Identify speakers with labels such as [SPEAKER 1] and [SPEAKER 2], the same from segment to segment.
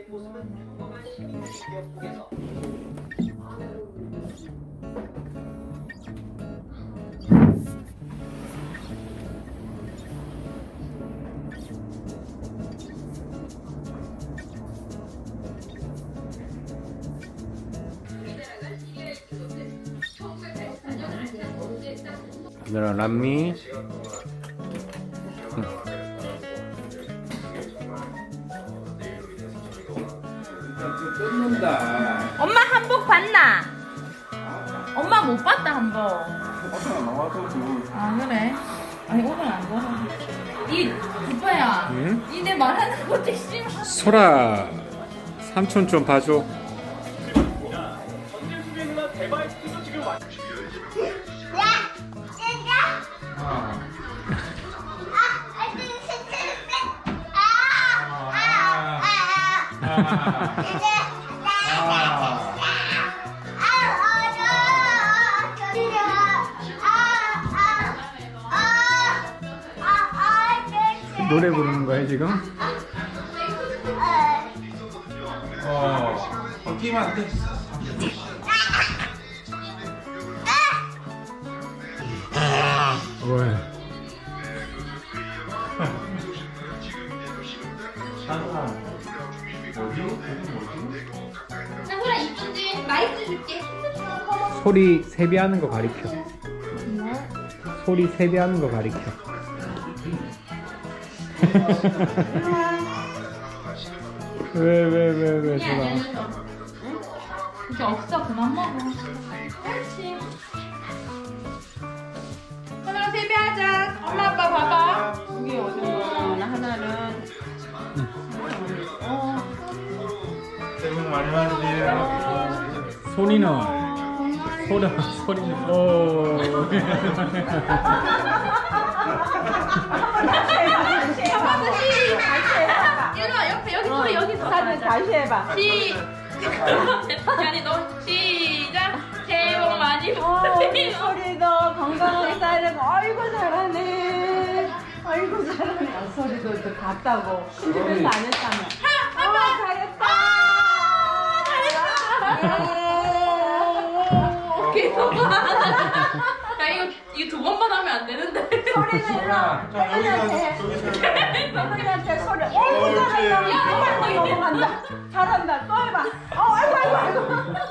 [SPEAKER 1] 오늘은 람미
[SPEAKER 2] 끊는다.
[SPEAKER 3] 엄마 한복 봤나? 엄마 못 봤다 한복.
[SPEAKER 2] 아까 나와서
[SPEAKER 3] 아 그래? 아니 오늘 안 봐서. 이 오빠야.
[SPEAKER 1] 응?
[SPEAKER 3] 이 내 말하는 거 대신.
[SPEAKER 1] 소라 삼촌 좀 봐줘. 노래 부르는 거야 지금?
[SPEAKER 2] 뛰면 안 돼.
[SPEAKER 1] 왜?
[SPEAKER 3] 나보라 이쁜지 마이크 줄게.
[SPEAKER 1] 소리 세배하는 거 가리켜. 소리 세배하는 거 가리켜. 왜 좋아?
[SPEAKER 3] 이제 없어 그만 먹어. 그렇지. 하나 세배하자. 엄마 아빠 봐봐.
[SPEAKER 4] 이게 어디는 하나는
[SPEAKER 2] 새해 복 많이 받으세요.
[SPEAKER 1] 소리는 소리는
[SPEAKER 3] 일로 와 옆에 여기 소리 여기서
[SPEAKER 4] 다시 다시 해봐.
[SPEAKER 3] 아니 너 시작. 새해 복 많이 받으세요.
[SPEAKER 4] 소리도 건강하게 살야 되고. 아이고 잘하네. 아이고 잘하네. 아, 소리도 또 갔다고. 신주변도 안 했다며. 잘했다.
[SPEAKER 3] 계속 야 이거 두 번만 하면 안 되는데.
[SPEAKER 4] 소리는 어머니한테 어머니한테 소리. 오
[SPEAKER 2] 옳지.
[SPEAKER 4] 잘한다. 야 넘어간다. 잘한다. 또 해봐. 아이고.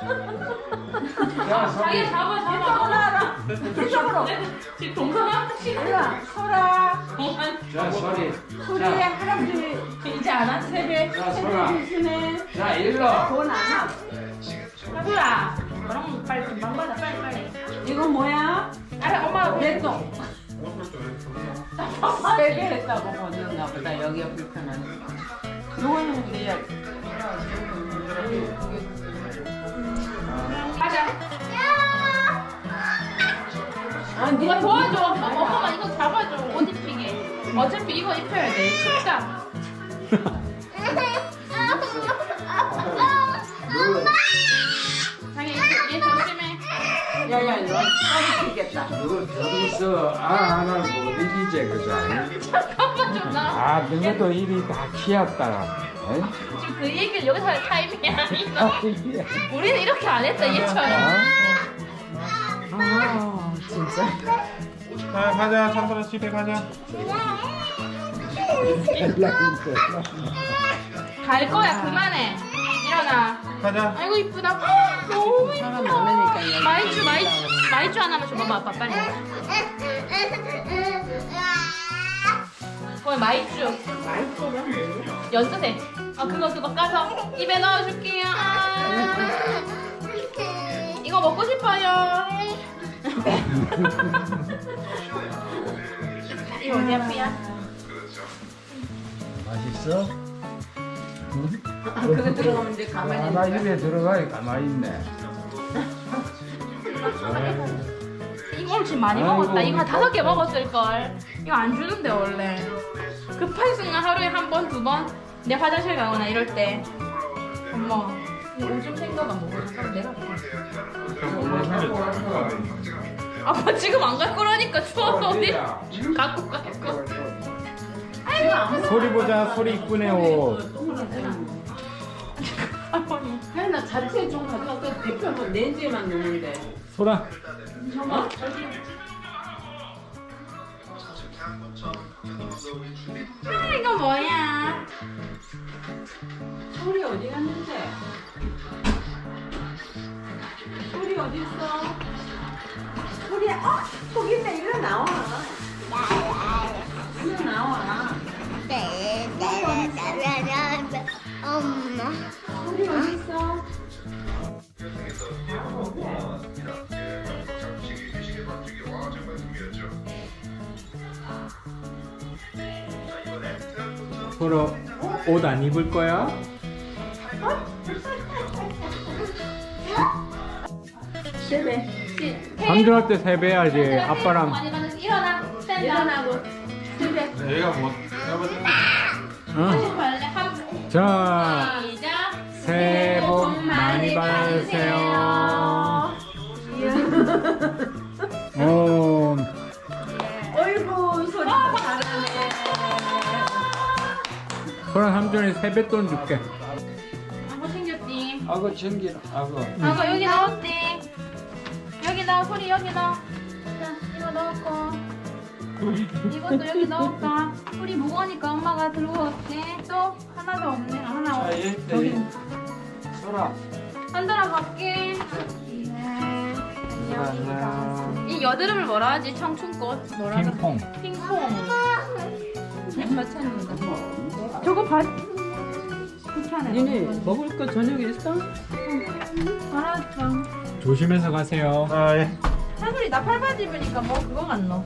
[SPEAKER 3] 자기 잡아.
[SPEAKER 4] 이쪽으로 하라. 이쪽으로.
[SPEAKER 3] 지금 동서남
[SPEAKER 4] 일로 와. 소라.
[SPEAKER 2] 자, 소리.
[SPEAKER 4] 소리 할아버지
[SPEAKER 3] 이제 안 한 세배.
[SPEAKER 4] 해주시네.
[SPEAKER 2] 자, 일로.
[SPEAKER 4] 돈 안 와.
[SPEAKER 3] 하구야. 너랑 빨리 금방 받아 빨리.
[SPEAKER 4] 이거 뭐야?
[SPEAKER 3] 아래 엄마
[SPEAKER 4] 내 돈. 세게 했다고 보는가 보다. 여기가 불편하네. 요거는 내야.
[SPEAKER 3] 가자.
[SPEAKER 4] 아,
[SPEAKER 3] 누가 도와줘. 엄마가 이거 잡아줘. 옷 입히게. 어차피 이거 입혀야 돼. 춥다. 자기 얘 조심해.
[SPEAKER 4] 야야 너 떨어지겠다.
[SPEAKER 2] 이거 저기서 하나를 못 이기지, 그죠?
[SPEAKER 3] 잠깐만 좀 나.
[SPEAKER 2] 너희도 입이 다 키웠다.
[SPEAKER 3] 지금 그 얘기를 여기서 할 타이밍이 아니다. 우리는 이렇게 안 했다 얘처럼.
[SPEAKER 4] 진짜.
[SPEAKER 2] 자, 가자. 찬선아 집에 가자.
[SPEAKER 3] 갈 거야 그만해. 일어나.
[SPEAKER 2] 가자.
[SPEAKER 3] 아이고 이쁘다. 너무
[SPEAKER 4] 사람
[SPEAKER 3] 이쁘다.
[SPEAKER 4] 많으니까 여기.
[SPEAKER 3] 마이쮸 하나만 줘봐봐 아빠 빨리. 거기 마이쮸. 연두색. 그거 까서 입에 넣어줄게요. 이거 먹고 싶어요. 이거 어디야 삐야?
[SPEAKER 2] 맛있어?
[SPEAKER 4] 그거 들어가면 이제 가만히
[SPEAKER 2] 나
[SPEAKER 4] 있는
[SPEAKER 2] 입에 들어가 가만히 있네.
[SPEAKER 3] 이걸 지금 많이
[SPEAKER 2] 아이고,
[SPEAKER 3] 먹었다. 이거 한 5개 먹었을걸. 이거 안 주는데 원래. 급한 순간 하루에 한 번, 두 번 내 화장실 가거나 이럴 때 엄마 이거 오줌 생겨가 먹어. 그럼 내가 먹어. 아빠 지금 안 갈 거라니까 추워서 어디 갖고
[SPEAKER 1] 소리 보자. 소리 이쁘네 옷.
[SPEAKER 4] 나 자체 좀 가져와서 대표면 렌즈에만 넣는데.
[SPEAKER 1] 소라.
[SPEAKER 4] 잠깐만.
[SPEAKER 3] 아, 이거 뭐야?
[SPEAKER 4] 소리 어디 갔는데? 소리 어디 있어? 소리야, 거기 있네. 일로 나와. 일로 나와.
[SPEAKER 5] 엄마.
[SPEAKER 4] 소리 어디 있어?
[SPEAKER 1] 소라 옷 안 입을 거야?
[SPEAKER 3] 세배.
[SPEAKER 1] 삼촌한테 세배야지. 아빠랑.
[SPEAKER 3] 많이 받는 일어나. 스탠드.
[SPEAKER 4] 일어나고.
[SPEAKER 3] 세배.
[SPEAKER 2] 내가 못
[SPEAKER 1] 어.
[SPEAKER 3] 발레 한.
[SPEAKER 1] 자,
[SPEAKER 3] 시작.
[SPEAKER 1] 새해 복 많이 받으세요. 어,
[SPEAKER 4] 어이구, 소리 잘하네.
[SPEAKER 1] 소라 삼촌이 세뱃돈 줄게.
[SPEAKER 3] 아고 챙겼지.
[SPEAKER 2] 악어 챙기라 악어.
[SPEAKER 3] 아고 여기 넣었지. 여기 넣어 소리 여기 넣어. 자 이거 넣었고. 이것도 여기 넣을까? 우리 무거우니까 엄마가 들고 올게. 또 하나도 없네. 하나
[SPEAKER 2] 자
[SPEAKER 3] 없.
[SPEAKER 2] 일대 소라.
[SPEAKER 3] 한달아 갈게. 네.
[SPEAKER 2] 안녕.
[SPEAKER 3] 이 여드름을 뭐라 하지? 청춘꽃 뭐라 하지?
[SPEAKER 1] 핑퐁.
[SPEAKER 3] 핑퐁. 엄마 찾는다. 저거 봐. 괜찮아.
[SPEAKER 4] 니네 먹을 거 저녁에 있어?
[SPEAKER 3] 알았어.
[SPEAKER 1] 조심해서 가세요.
[SPEAKER 2] 아 예.
[SPEAKER 3] 사소리 나 팔바지 입으니까 뭐 그거 같노?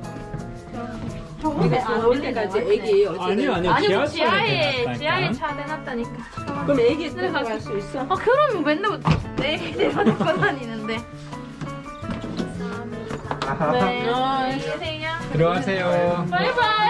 [SPEAKER 4] 우리가 안 올래가지 애기 어디
[SPEAKER 1] 아니요, 아니요.
[SPEAKER 3] 아니 뭐
[SPEAKER 1] 지하철에
[SPEAKER 3] 지하에
[SPEAKER 1] 대놨다니까.
[SPEAKER 3] 차 대놨다니까.
[SPEAKER 4] 그럼 애기 들어갈 수 있어?
[SPEAKER 3] 아 그럼 맨날 내 데려다고 다니는데. 네. 안녕히 계세요.
[SPEAKER 1] 들어가세요.
[SPEAKER 3] 바이바이.